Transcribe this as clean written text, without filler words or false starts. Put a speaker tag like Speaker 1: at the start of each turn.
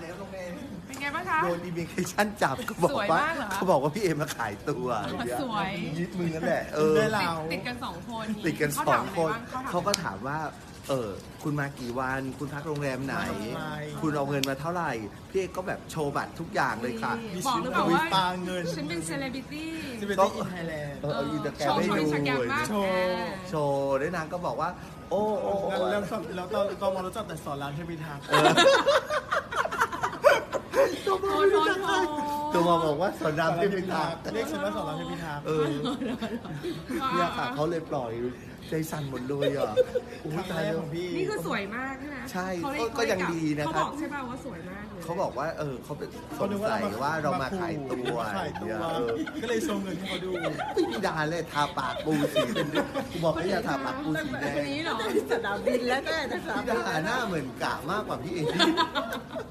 Speaker 1: แล้วน้องเมย์
Speaker 2: เป็นไงบ้างคะ
Speaker 1: โดนอิมิเกชั่นจับก็บอก
Speaker 2: สวย
Speaker 1: ว่าม
Speaker 2: ากเหรอคะ
Speaker 1: เขาบอกว่าพี่เอมาขายตัว
Speaker 2: สวย
Speaker 1: ยึดมือนั่นแหละ
Speaker 3: ได้
Speaker 2: ติด
Speaker 3: เรา
Speaker 2: ติดกัน2 คน
Speaker 1: ติดกัน
Speaker 2: เขา
Speaker 1: สอ
Speaker 2: ถาง ม
Speaker 1: คน
Speaker 2: อะไรบ้าง
Speaker 1: เขาก็ถามว่าคุณมากี่วัน คุณพักโรงแรมไหน
Speaker 3: มาทำไม
Speaker 1: คุณเอาเงินมาเท่าไหร่ พี่เอกก็แบบโชว์บัตรทุกอย่างเลยค่ะ
Speaker 2: บอกหรือเปล่า
Speaker 3: มี
Speaker 2: ว่า
Speaker 3: ปาเงิน
Speaker 2: ฉันเป็นเซเลบริตี้
Speaker 3: ที่เป็น
Speaker 1: ก็
Speaker 3: ที่อินไทยแลนด์
Speaker 1: เอาอินสตาแกร
Speaker 2: โช
Speaker 1: ม
Speaker 2: ว์
Speaker 1: ให้
Speaker 2: โชว์
Speaker 1: ดู
Speaker 2: อินสตาแกรมมาก
Speaker 3: โชว์
Speaker 1: โชว์ด้วยนางก็บอกว่า โอ้โอ้โอ้
Speaker 3: แล้วตอนมารู้จักแต่สอนรามเทพิทักษ์
Speaker 2: โทษ
Speaker 1: ตัวมาบอกว่าสอนรามเทพิทักษ์
Speaker 3: เรียกฉันว่าสอนรามเทพิทักษ์
Speaker 1: เนี่ยค่ะเขาเลยปล่อยใจสั่นหมดเลยอ่ะ
Speaker 3: ครั้งแรกของพี่
Speaker 2: นี่คือสวยมากใช่ไหม
Speaker 1: ใช่
Speaker 2: เขาเล
Speaker 1: ก็ยังดีนะครับ
Speaker 2: เขาบอกใช่ป่ะว่าสวยมากเลย
Speaker 1: เขาบอกว่าเขาเป็นสงสัยว่าเรามาขายตัว
Speaker 3: มาขายตัว
Speaker 1: เนี่ย
Speaker 3: ก็เลยโชว์เงินให้เขาดู
Speaker 1: ไม่มีดาเลยทาปากปูสีเป็นกูบอกให้อย่าทาปากปูสีแดง
Speaker 2: คนนี้เหรอ
Speaker 4: สนามบินแล้วก็จะสนาม
Speaker 1: พี่
Speaker 4: บิน
Speaker 1: ดาหน้าเหมือนกะมากกว่าพี่เอง